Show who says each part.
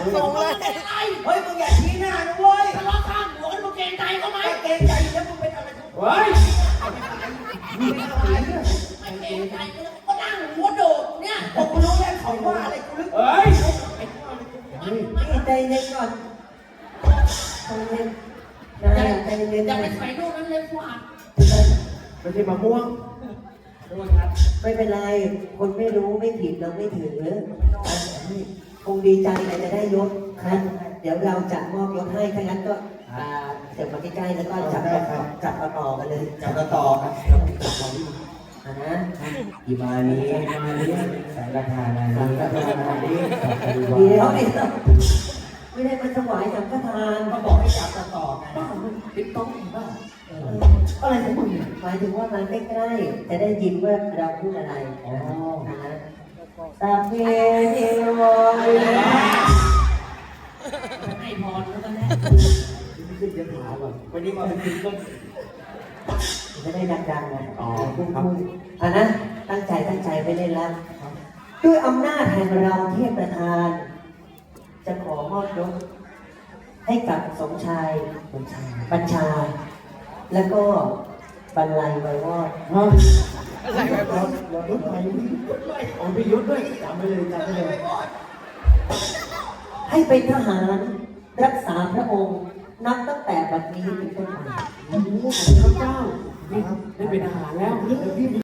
Speaker 1: ส่งเลย
Speaker 2: เฮ้ยมึงอย่าชี้หน้านะเว้ย
Speaker 3: ทะเลาะข้ามหัวมึงเกรงใจเขาไหม
Speaker 2: ไม่เกรงใจแล้วมึงเป็นอะไรทุก
Speaker 4: เฮ้ย
Speaker 2: มึงเป็นอะไรเนี่ย
Speaker 3: ไม่เกรงใจก็นั่งหัวโดดเนี่ย
Speaker 2: ผมกูรู้แล้วเขาว่าอะไรกูลึก
Speaker 4: เฮ้ย
Speaker 1: นี่ใจเย็นก่อนใจเย็นนะใจเย็น
Speaker 3: อย่าไปใส่ลูกนั้นเลยกว่า
Speaker 4: ไม่ใช่มะม่วง
Speaker 1: ไม่เป็นไร คนไม่รู้ไม่ผิดเราไม่ถือคงดีใจแต่จะได้ยศครับเดี๋ยวเราจะมอบยศให้ถ้างั้นก็เดี๋ยวมาใกล้ๆแล้วก็จับต่อกันเลย
Speaker 2: จับต่อครับ
Speaker 1: นะ
Speaker 4: อีมานี้สังฆทานานี้สังฆทานานี้
Speaker 1: เดี๋ยวไม่ได้มาถวายสังฆทาน
Speaker 2: เขาบอกให้จับต่อกัน
Speaker 4: ติ๊กต๊อกบ้า
Speaker 1: อะไรของมึงหมายถึงว่ามาใกล้ๆจะได้ยินว่าเราพูดอะไรนะฮะตาเพเทวะ
Speaker 3: ให้พรแล้วกันแน่
Speaker 4: ขึ้นจะถามก่อนวันนี้มาเป็นติ๊กต๊อก
Speaker 1: จะได้ดังๆนะพูดนะตั้งใจไปเล่นแล้วด้วยอำนาจแห่งเราเทพประธาน จะขอมอบยศให้กับสมชายบัญชา แล้วก็บรรลัยไววอด
Speaker 4: อะไรแบบรถไฟอ๋อพี่ยุทธด้วยจำไปเลยจำไปเลย
Speaker 1: ให้เป็นทหารรักษาพระองค์นับตั้งแต่บัดนี้เป็นต้นไป
Speaker 4: โอ้โหพระเจ้าได้เป็นอาหารแล้ว